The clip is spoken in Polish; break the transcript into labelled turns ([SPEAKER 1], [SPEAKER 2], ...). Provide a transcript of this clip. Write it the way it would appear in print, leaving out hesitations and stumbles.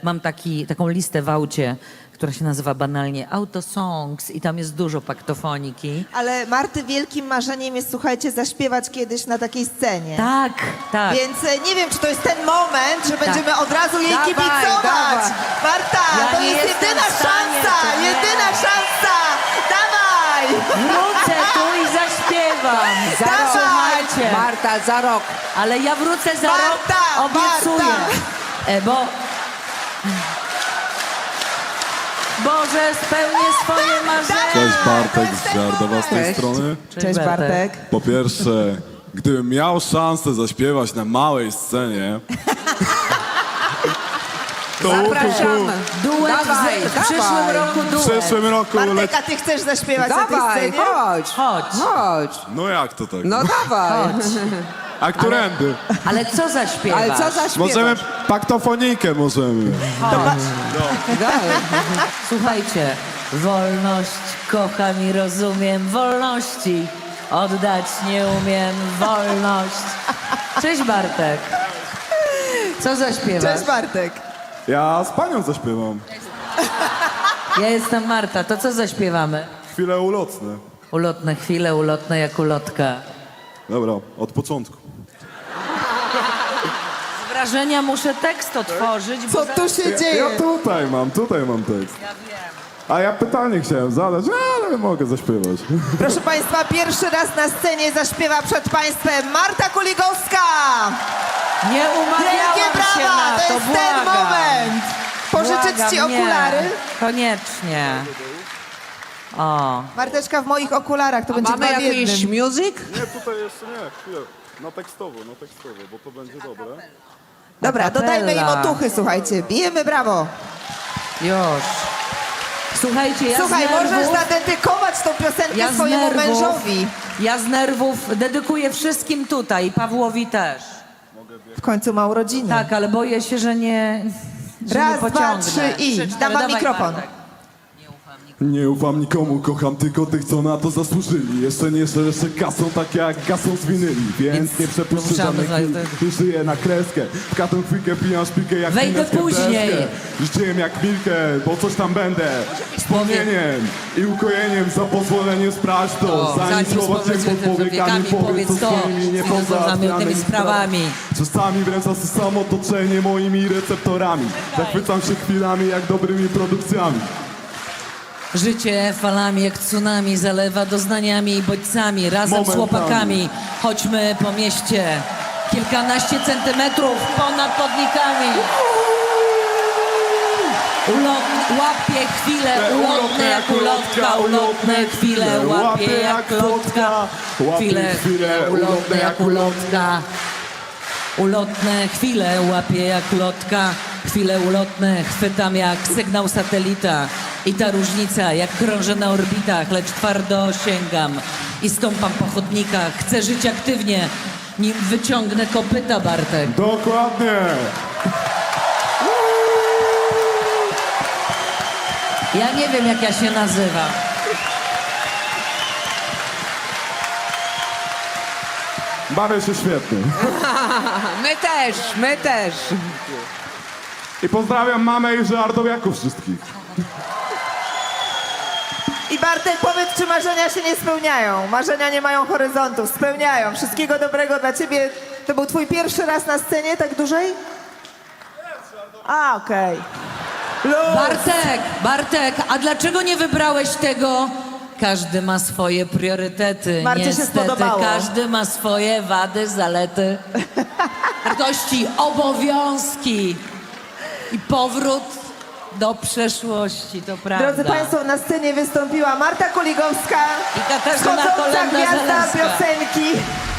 [SPEAKER 1] mam taką listę w aucie, która się nazywa banalnie Autosongs i tam jest dużo paktofoniki.
[SPEAKER 2] Ale Marty wielkim marzeniem jest, słuchajcie, zaśpiewać kiedyś na takiej scenie.
[SPEAKER 1] Tak, tak.
[SPEAKER 2] Więc nie wiem, czy to jest ten moment, że będziemy od razu jej
[SPEAKER 3] Dawaj,
[SPEAKER 2] kibicować.
[SPEAKER 3] dawaj.
[SPEAKER 2] Marta,
[SPEAKER 1] Ja
[SPEAKER 2] to
[SPEAKER 1] nie
[SPEAKER 2] jest
[SPEAKER 1] jestem
[SPEAKER 2] jedyna
[SPEAKER 1] w stanie,
[SPEAKER 2] szansa,
[SPEAKER 1] to nie.
[SPEAKER 2] jedyna szansa. Dawaj!
[SPEAKER 1] Wrócę tu i zaśpiewam.
[SPEAKER 3] Za rok.
[SPEAKER 1] Słuchajcie.
[SPEAKER 3] Marta, za rok.
[SPEAKER 1] Ale ja wrócę za
[SPEAKER 2] Marta,
[SPEAKER 1] rok, obiecuję.
[SPEAKER 2] Marta.
[SPEAKER 1] Boże, spełnię swoje marzenia.
[SPEAKER 4] Cześć Bartek
[SPEAKER 2] to
[SPEAKER 4] z
[SPEAKER 2] jest ten
[SPEAKER 4] Żardowa z tej
[SPEAKER 2] moment.
[SPEAKER 4] strony.
[SPEAKER 2] Cześć Bartek.
[SPEAKER 4] Po pierwsze, gdybym miał szansę zaśpiewać na małej scenie, to
[SPEAKER 3] Zapraszamy.
[SPEAKER 1] Duet
[SPEAKER 3] Dawaj,
[SPEAKER 1] w przyszłym
[SPEAKER 3] dawaj.
[SPEAKER 1] roku
[SPEAKER 4] w
[SPEAKER 1] duet.
[SPEAKER 4] przyszłym roku
[SPEAKER 2] Bartek, a ty chcesz zaśpiewać na tej
[SPEAKER 3] Dawaj,
[SPEAKER 2] scenie?
[SPEAKER 3] chodź.
[SPEAKER 1] Chodź.
[SPEAKER 3] Chodź.
[SPEAKER 4] No jak to tak?
[SPEAKER 3] No dawaj.
[SPEAKER 4] A którędy?
[SPEAKER 1] Ale co zaśpiewasz?
[SPEAKER 3] Ale co zaśpiewasz?
[SPEAKER 4] Możemy paktofonikę możemy.
[SPEAKER 3] Daj.
[SPEAKER 1] Słuchajcie, wolność kocham i rozumiem, wolności oddać nie umiem, wolność. Cześć Bartek. Co zaśpiewasz?
[SPEAKER 2] Cześć Bartek.
[SPEAKER 4] Ja z panią zaśpiewam.
[SPEAKER 1] Ja jestem Marta, to co zaśpiewamy?
[SPEAKER 4] Chwile ulotne.
[SPEAKER 1] Ulotne chwile, ulotne jak ulotka.
[SPEAKER 4] Dobra, od początku.
[SPEAKER 1] Z wrażenia muszę tekst otworzyć, bo
[SPEAKER 2] Co tu się
[SPEAKER 4] Ja
[SPEAKER 2] dzieje?
[SPEAKER 4] tutaj mam tekst. A ja pytanie chciałem zadać, ale mogę zaśpiewać.
[SPEAKER 2] Proszę Państwa, pierwszy raz na scenie zaśpiewa przed Państwem Marta Kuligowska.
[SPEAKER 1] nie
[SPEAKER 2] Wielkie
[SPEAKER 1] umawiałam się
[SPEAKER 2] brawa,
[SPEAKER 1] na
[SPEAKER 2] to
[SPEAKER 1] to,
[SPEAKER 2] jest ten
[SPEAKER 1] błagam.
[SPEAKER 2] moment. Pożyczyć
[SPEAKER 1] Błagam,
[SPEAKER 2] Ci
[SPEAKER 1] nie.
[SPEAKER 2] okulary?
[SPEAKER 1] Koniecznie. O.
[SPEAKER 2] Marteczka w moich okularach, to będzie
[SPEAKER 3] Mamy
[SPEAKER 2] dwa w
[SPEAKER 3] jakiś
[SPEAKER 2] jednym.
[SPEAKER 3] music?
[SPEAKER 4] Nie, tutaj jeszcze nie, chwilę. Na tekstowo, bo to będzie dobre.
[SPEAKER 2] Dobra,
[SPEAKER 1] Akapella.
[SPEAKER 2] dodajmy im otuchy, słuchajcie. Bijemy brawo.
[SPEAKER 1] Już. Słuchajcie, ja
[SPEAKER 2] Słuchaj,
[SPEAKER 1] z nerwów,
[SPEAKER 2] możesz zadedykować tą piosenkę
[SPEAKER 1] z
[SPEAKER 2] swojemu
[SPEAKER 1] nerwów-
[SPEAKER 2] mężowi.
[SPEAKER 1] Ja z nerwów dedykuję wszystkim tutaj, Pawłowi też.
[SPEAKER 2] W końcu ma urodziny.
[SPEAKER 1] Tak, ale boję się, że nie
[SPEAKER 2] Raz,
[SPEAKER 1] nie
[SPEAKER 2] dwa,
[SPEAKER 1] pociągnę.
[SPEAKER 2] trzy i.
[SPEAKER 1] 3, 4,
[SPEAKER 2] Dam wam
[SPEAKER 1] dawaj,
[SPEAKER 2] mikrofon.
[SPEAKER 1] Bartek.
[SPEAKER 4] Nie ufam nikomu, kocham tylko tych, co na to zasłużyli. Jeszcze nie szerszę kasą, tak jak gasą z winyli. Więc nie przepuszczę
[SPEAKER 1] ruszamy
[SPEAKER 4] żadnej
[SPEAKER 1] za-
[SPEAKER 4] chwili. Żyję na kreskę. W każdą chwilkę pijam szpikę jak
[SPEAKER 1] Wejdę
[SPEAKER 4] minecką
[SPEAKER 1] później.
[SPEAKER 4] deskę. Życiem jak Milkę, bo coś tam będę. Wspomnieniem i ukojeniem za pozwoleniem sprawdź to. Zanim słowa cię pod powiekami powiedz to swoimi
[SPEAKER 1] niepozamiotnymi sprawami.
[SPEAKER 4] Czasami wręcz samo otoczenie moimi receptorami. Zachwycam się chwilami jak dobrymi produkcjami.
[SPEAKER 1] Życie falami jak tsunami zalewa doznaniami i bodźcami. Razem z
[SPEAKER 4] Momentami.
[SPEAKER 1] chłopakami chodźmy po mieście. Kilkanaście centymetrów ponad chodnikami. Łapie chwile, ulotne jak ulotka, ulotne chwile, łapie jak lotka. Chwile, ulotne jak ulotka. Ulotne chwile łapie jak lotka, chwile ulotne chwytam jak sygnał satelita. I ta różnica jak krążę na orbitach, lecz twardo sięgam i stąpam po chodnikach. Chcę żyć aktywnie, nim wyciągnę kopyta, Bartek.
[SPEAKER 4] Dokładnie.
[SPEAKER 1] Ja nie wiem, jak ja się nazywam.
[SPEAKER 4] Bawię się świetnie.
[SPEAKER 3] My też.
[SPEAKER 4] I pozdrawiam mamę i żardowiaków wszystkich.
[SPEAKER 2] I Bartek, powiedz, czy marzenia się nie spełniają? Marzenia nie mają horyzontów, spełniają. Wszystkiego dobrego dla ciebie. To był twój pierwszy raz na scenie, tak dłużej? A, okej.
[SPEAKER 1] Bartek, a dlaczego nie wybrałeś tego? Każdy ma swoje priorytety.
[SPEAKER 2] Marcie się
[SPEAKER 1] Niestety,
[SPEAKER 2] spodobało.
[SPEAKER 1] każdy ma swoje wady, zalety, wartości, obowiązki i powrót do przeszłości, to prawda.
[SPEAKER 2] Drodzy Państwo, na scenie wystąpiła Marta Kuligowska,
[SPEAKER 1] I Katarzyna
[SPEAKER 2] wschodząca
[SPEAKER 1] Kolenda-Zalewska.
[SPEAKER 2] gwiazda piosenki.